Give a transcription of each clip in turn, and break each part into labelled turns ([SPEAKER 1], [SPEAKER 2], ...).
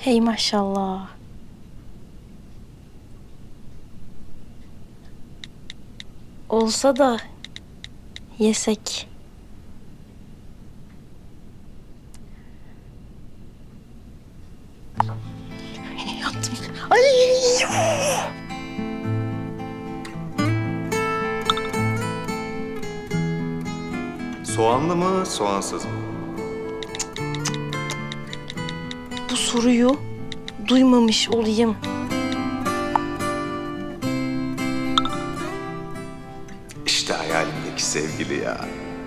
[SPEAKER 1] Hey maşallah. Olsa da yesek. Yattım. Ay!
[SPEAKER 2] Soğanlı mı, soğansız mı?
[SPEAKER 1] Bu soruyu duymamış olayım.
[SPEAKER 2] İşte hayalimdeki sevgili ya.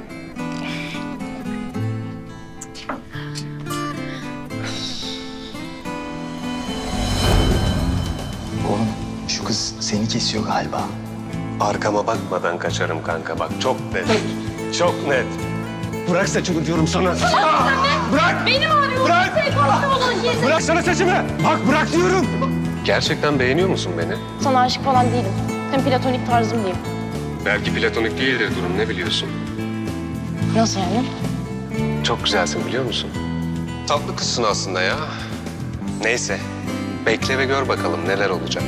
[SPEAKER 3] Oğlum şu kız seni kesiyor galiba.
[SPEAKER 2] Arkama bakmadan kaçarım kanka bak. Çok net. Çok net. Bırak saçımı diyorum sana. Bırak!
[SPEAKER 4] Benim ağrıyor.
[SPEAKER 2] Bırak! Bırak sana saçımı! Bak bırak diyorum!
[SPEAKER 5] Gerçekten beğeniyor musun beni?
[SPEAKER 4] Sana aşık falan değilim. Hem platonik tarzım diyeyim.
[SPEAKER 5] Belki platonik değildir durum, ne biliyorsun?
[SPEAKER 4] Nasıl yani?
[SPEAKER 5] Çok güzelsin biliyor musun? Tatlı kızsın aslında ya. Neyse, bekle ve gör bakalım neler olacak.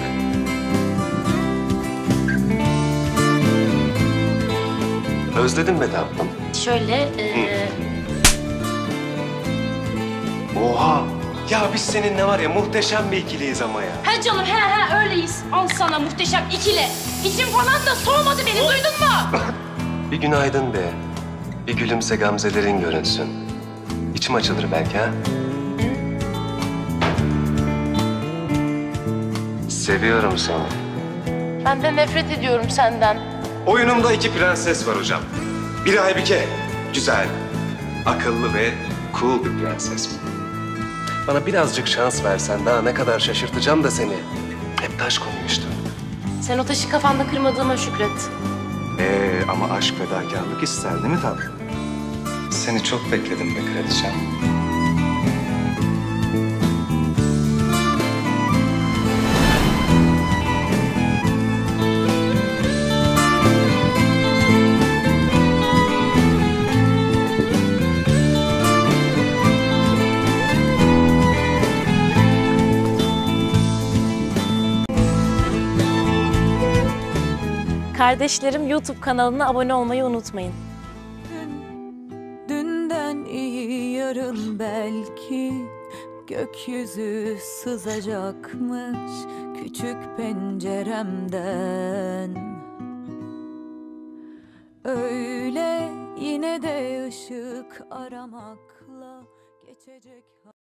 [SPEAKER 5] Özledin mi tatlım?
[SPEAKER 1] Şöyle
[SPEAKER 2] Oha! Ya biz seninle var ya muhteşem bir ikiliyiz ama ya.
[SPEAKER 4] He canım he öyleyiz. Al sana muhteşem ikili. İçim falan da soğumadı beni duydun mu?
[SPEAKER 5] Bir günaydın de. Bir gülümse gamzelerin görünsün. İçim açılır belki ha? Seviyorum seni.
[SPEAKER 4] Ben de nefret ediyorum senden.
[SPEAKER 2] Oyunumda iki prenses var hocam. Biri Aybike. Güzel, akıllı ve cool bir prenses.
[SPEAKER 5] Bana birazcık şans versen daha ne kadar şaşırtacağım da seni. Hep taş konuyu işte.
[SPEAKER 4] Sen o taşı kafanda kırmadığıma şükret.
[SPEAKER 2] Ama aşk fedakarlık ister değil mi tatlım? Seni çok bekledim be kraliçem.
[SPEAKER 1] kardeşlerim YouTube kanalına abone olmayı unutmayın.
[SPEAKER 6] Dünden iyi yarın belki gökyüzü sızacakmış küçük penceremden. Öyle yine de ışık aramakla geçecek.